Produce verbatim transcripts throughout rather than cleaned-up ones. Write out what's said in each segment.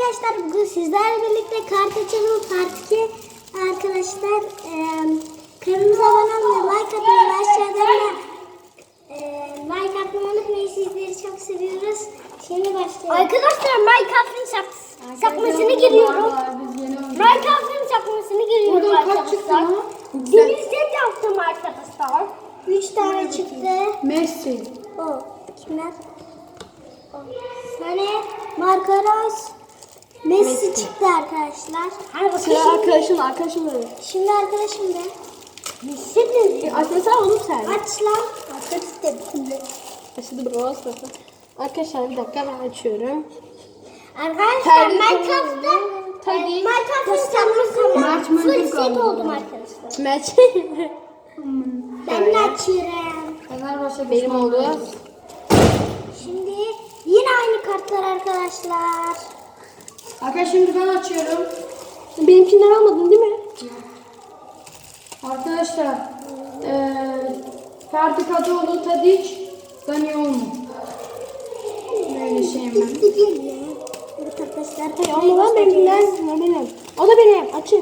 arkadaşlar, bugün sizlerle birlikte kart açalım part iki. Arkadaşlar e, kanalımıza abone olmayı, like atmayı, aşağıdan da e, like atmayı unutmayın. Sizleri çok seviyoruz. Şimdi başlayalım. Arkadaşlar Minecraft'ın sakmasını giriyorum. Minecraft'ın sakmasını giriyorum Buradan kaç çıktı arkadaşlar. lan? Demir set yaptım arkadaşlar. Üç tane çıktı. Messi. O kimler? O. Sane, Marcaros, Messi, Messi çıktı arkadaşlar. Hadi Sıra bakalım. arkadaşım, arkadaşım da. Şimdi arkadaşım da. Messi mi? Açmasana oğlum sen. Aç lan. Aç istedim. Açıldı bro. Arkadaşlar bir dakika ben açıyorum. Arkadaşlar Terlik Minecraft'ta oldu. Tabii. e, Minecraft'ın sanmasında Mert full Mendil set kaldı. oldum arkadaşlar. Maç. Ben de açıyorum. Fenerbahçe benim oldu. Şimdi yine aynı kartlar arkadaşlar. Arkadaşlar şimdi ben açıyorum. Benimkinden almadın değil mi? Arkadaşlar eee Ferdi Kadıoğlu, Tadiç, Dani Olmu. Böyle şeyim ben. Bitti değil ya. Evet arkadaşlar. Hey, ama ben benimkinden ne benim. O da benim. Açık.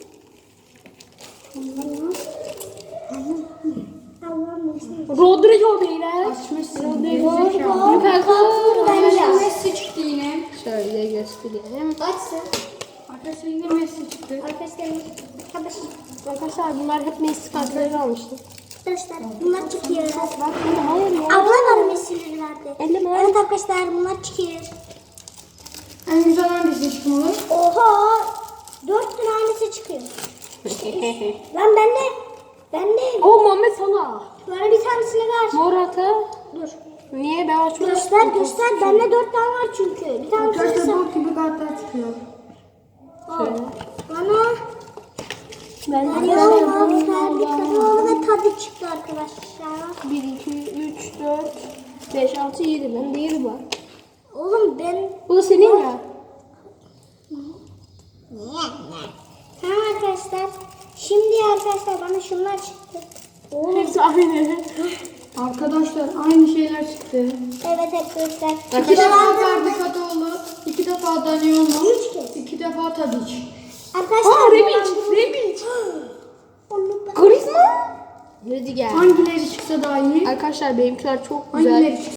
Rodrigo beyler. Açmışsın. Rodrigo. Lukaku. Bence. Messi çıktı yine. Şöyle göstereyim. Açsın. Arkadaşlar yine Messi çıktı. Arkadaşlar. Arkadaşlar. Arkadaşlar bunlar hep Messi kartları almıştım. Arkadaşlar bunlar çıkıyor. Bak yine hayır ya. Abla var Messi'leri verdi. Elleme. Evet arkadaşlar bunlar çıkıyor. En güzel hangisi çıkmalı? Oha! Dört tane aynısı çıkıyor. Lan ben de ben de O Muhammed Salah. bana bir tanesini ver. Morata. Dur. Niye ben açmadım? Göster göster. Bende dört tane var çünkü. Bir tanesini Arkadaşlar sen. bok gibi kartlar çıkıyor. Al. Bana Ben Kadıoğlu, Ferdi Kadıoğlu ve Tadı çıktı arkadaşlar. bir, iki, üç, dört, beş, altı, yedi. Ben de yedi var. Oğlum ben... Bu da senin ya. Tamam arkadaşlar. Şimdi arkadaşlar bana şunlar çıktı. Oğlum. Hepsi aynı. Arkadaşlar aynı şeyler çıktı. Evet arkadaşlar. İki defa Ferdi Kadıoğlu, iki defa Dani Olmu, Üç kez. iki defa Tadiç. Arkadaşlar. Aa Rebic, dolandırıldı. Rebic. Onu ben- Karizma. Rüdiger. Hangileri çıksa daha iyi? Arkadaşlar benimkiler çok güzel. Hangileri